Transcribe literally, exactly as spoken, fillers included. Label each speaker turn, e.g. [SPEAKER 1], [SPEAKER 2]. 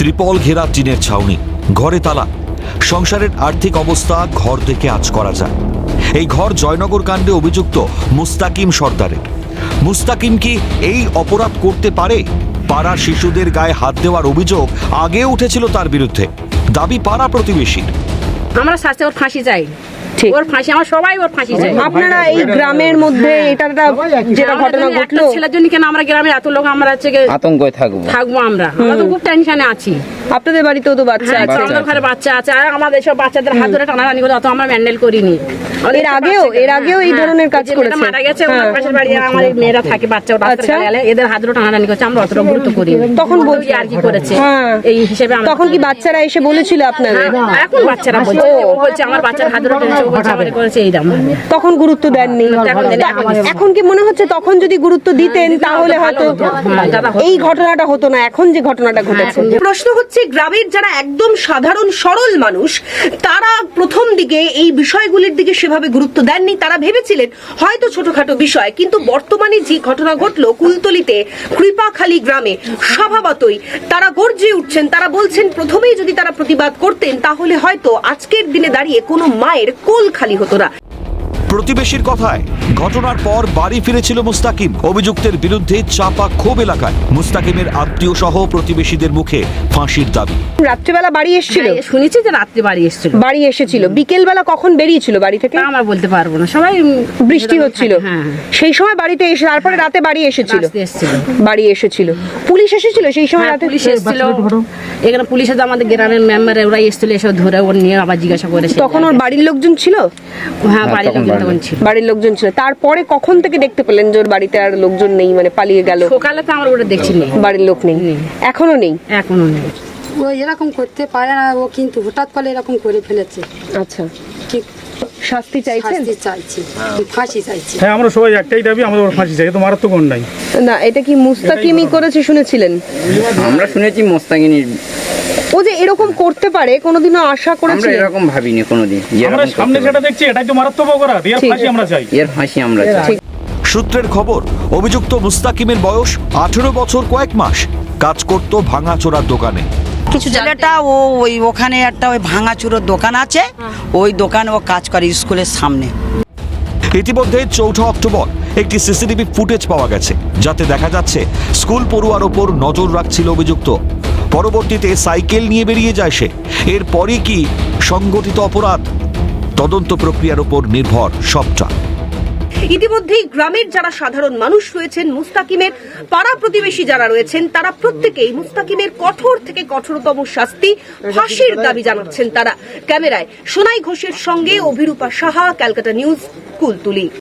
[SPEAKER 1] ত্রিপল ঘেরা টিনের ছাউনি, ঘরে তালা, সংসারের আর্থিক অবস্থা ঘর থেকে আঁচ করা যায়। এই ঘর জয়নগর কাণ্ডে অভিযুক্ত মুস্তাকিম সর্দারের। মুস্তাকিম কি এই অপরাধ করতে পারে? পাড়ার শিশুদের গায়ে হাত দেওয়ার অভিযোগ আগে উঠেছিল তার বিরুদ্ধে, দাবি পাড়া প্রতিবেশীর।
[SPEAKER 2] আমরা শাস্তি ওর ফাঁসি চাই,
[SPEAKER 3] ঠিক।
[SPEAKER 2] ওর ফাঁসি, আমার সবাই ওর ফাঁসি চাই।
[SPEAKER 3] আপনারা এই গ্রামের মধ্যে এটা যেটা ঘটনা ঘটলো,
[SPEAKER 2] ছেলের জন্য কেন আমরা গ্রামের এত লোক আমরা হচ্ছে গিয়ে
[SPEAKER 4] আতঙ্কে থাকবো
[SPEAKER 2] থাকবো, আমরা আমরা তো খুব টেনশনে আছি।
[SPEAKER 3] আপনাদের বাড়িতেও তো বাচ্চা
[SPEAKER 2] হ্যাঁ,
[SPEAKER 3] আছে,
[SPEAKER 2] আমাদের ঘরে বাচ্চা আছে, আর আমাদের সব বাচ্চাদের হাত ধরে টানাটানি করে অত আমরা ম্যান্ডেল করিনি।
[SPEAKER 3] এর আগেও এর আগেও এই ধরনের কাজ করেছে।
[SPEAKER 2] মারা গেছে ওনার পাশের বাড়ি, আর আমার এই মেয়েরা থাকে বাচ্চা, ওরা রাস্তায় গেলে এদের হাত ধরে টানাটানি করছে, আমরা অতটা গুরুত্ব করি।
[SPEAKER 3] তখন বলছি
[SPEAKER 2] আর কি করেছে
[SPEAKER 3] হ্যাঁ।
[SPEAKER 2] এই হিসেবে আমরা-
[SPEAKER 3] তখন কি বাচ্চারা এসে বলেছিল আপনাদের?
[SPEAKER 2] হ্যাঁ, এখন বাচ্চারা বলছে, ও বলছে আমার বাচ্চার হাত ধরে টেনেছে, ও বলছে আমাদের করেছে এইরকম।
[SPEAKER 3] তখন গুরুত্ব দেননি।
[SPEAKER 2] এখন দেন, এখন দেন।
[SPEAKER 3] এখন কি মনে হচ্ছে তখন যদি গুরুত্ব দিতেন তাহলে হয়তো এই ঘটনাটা হতো না, এখন যে ঘটনাটা ঘটেছে।
[SPEAKER 5] প্রশ্ন হচ্ছে, গ্রামের যারা একদম সাধারণ সরল মানুষ, তারা প্রথম দিকে এই বিষয়গুলির দিকে সেভাবে গুরুত্ব দেননি। তারা ভেবেছিলেন হয়তো ছোটখাটো বিষয়, কিন্তু বর্তমানে যে ঘটনা ঘটলো কুলতলিতে কৃপাখালী গ্রামে, স্বভাবতই তারা গর্জে উঠছেন। তারা বলছেন প্রথমেই যদি তারা প্রতিবাদ করতেন তাহলে হয়তো আজকের দিনে দাঁড়িয়ে কোনো মায়ের কোল খালি হতো না।
[SPEAKER 1] প্রতিবেশীর কথায় ঘটনার পর বাড়ি ফিরেছিল মুস্তাকিম। অভিযুক্তের বিরুদ্ধে চাপা ক্ষোভ এলাকায়। মুস্তাকিমের আত্মীয় সহ প্রতিবেশীদের মুখে ফাঁসির দাবি।
[SPEAKER 3] রাত্রিবেলা বাড়ি এসেছিল,
[SPEAKER 2] হ্যাঁ, শুনেছি যে রাত্রে বাড়ি এসেছিল।
[SPEAKER 3] বাড়ি এসেছিল বিকেল বেলা কখন বেরিয়েছিল বাড়ি থেকে?
[SPEAKER 2] তা আমরা বলতে পারবো না, সবাই
[SPEAKER 3] বৃষ্টি হচ্ছিল,
[SPEAKER 2] হ্যাঁ,
[SPEAKER 3] সেই সময় বাড়িতে এসে তারপরে রাতে বাড়ি এসেছিল।
[SPEAKER 2] রাস্তায় এসেছিল।
[SPEAKER 3] বাড়ি এসেছিল, পুলিশ এসেছিল সেই সময়
[SPEAKER 2] হ্যাঁ,
[SPEAKER 3] রাতে?
[SPEAKER 2] পুলিশ এসেছিল এখানে, পুলিশে তো আমাদের গ্রামের মেম্বার ওরাই এসেছিল, এসব ধরে ওর নিয়ে আবার জিজ্ঞাসা করেছে।
[SPEAKER 3] তখন ওর বাড়ির লোকজন ছিল?
[SPEAKER 2] হ্যাঁ, বাড়ির লোকজন তখন ছিল।
[SPEAKER 3] বাড়ির লোকজন ছিল। তারপরে কখন থেকে দেখতে পেলেন যে ওর বাড়িতে আর লোকজন নেই, মানে পালিয়ে গেল?
[SPEAKER 2] সকালে তো আমরা ওটা দেখছি না,
[SPEAKER 3] বাড়ির লোক নেই,
[SPEAKER 2] নেই।
[SPEAKER 3] এখনো নেই?
[SPEAKER 2] এখনো নেই।
[SPEAKER 6] ও এরকম করতে পারে না, ও কিন্তু হঠাৎ করে এরকম করে ফেলেছে।
[SPEAKER 3] আচ্ছা,
[SPEAKER 6] কি
[SPEAKER 3] শাস্তি চাইছেন?
[SPEAKER 6] শাস্তি চাইছি, ফাঁসি চাইছি।
[SPEAKER 7] হ্যাঁ, আমরা সবাই একটাই দাবি, আমাদের ওর ফাঁসি চাই, তো মারাত্মক অন্যায়।
[SPEAKER 3] না, এটা কি মুস্তাকিমই করেছে শুনেছিলেন?
[SPEAKER 4] আমরা শুনেছি মোস্তাকিনীর,
[SPEAKER 3] ও যে এরকম করতে পারে কোনোদিনও আশা
[SPEAKER 4] আমরা
[SPEAKER 3] করেছিলেন?
[SPEAKER 4] এরকম ভাবিনি কোনোদিন।
[SPEAKER 7] আমরা সামনে যেটা দেখছি এটাই তো মারাত্মক অপরাধ, এর ফাঁসি আমরা চাই।
[SPEAKER 4] এর ফাঁসি আমরা চাই।
[SPEAKER 1] সূত্রের খবর, অভিযুক্ত মুস্তাকিমের বয়স আঠেরো বছর কয়েক মাস। কাজ করত ভাঙাচোরার দোকানে।
[SPEAKER 8] কিছু ছেলেটা ও ওই ওখানে একটা ওই ভাঙাচুরোর দোকান আছে, ওই দোকানে ও কাজ করে স্কুলের সামনে।
[SPEAKER 1] ইতিমধ্যে চৌঠা অক্টোবর একটি সিসিটিভি ফুটেজ পাওয়া গেছে, যাতে দেখা যাচ্ছে স্কুল পড়ুয়ার ওপর নজর রাখছিল অভিযুক্ত। পরবর্তীতে সাইকেল নিয়ে বেরিয়ে যায় সে। এরপরই কি সংগঠিত অপরাধ? তদন্ত প্রক্রিয়ার উপর নির্ভর সবটা।
[SPEAKER 5] ইতিমধ্যেই গ্রামের যারা সাধারণ মানুষ রয়েছেন, মুস্তাকিমের পাড়া প্রতিবেশী যারা রয়েছেন, তারা প্রত্যেকেই মুস্তাকিমের কঠোর থেকে কঠোরতম শাস্তি, ফাঁসির দাবি জানাচ্ছেন তারা। ক্যামেরায় সোনাই ঘোষের সঙ্গে অভিরূপা সাহা, ক্যালকাটা নিউজ, কুলতলি।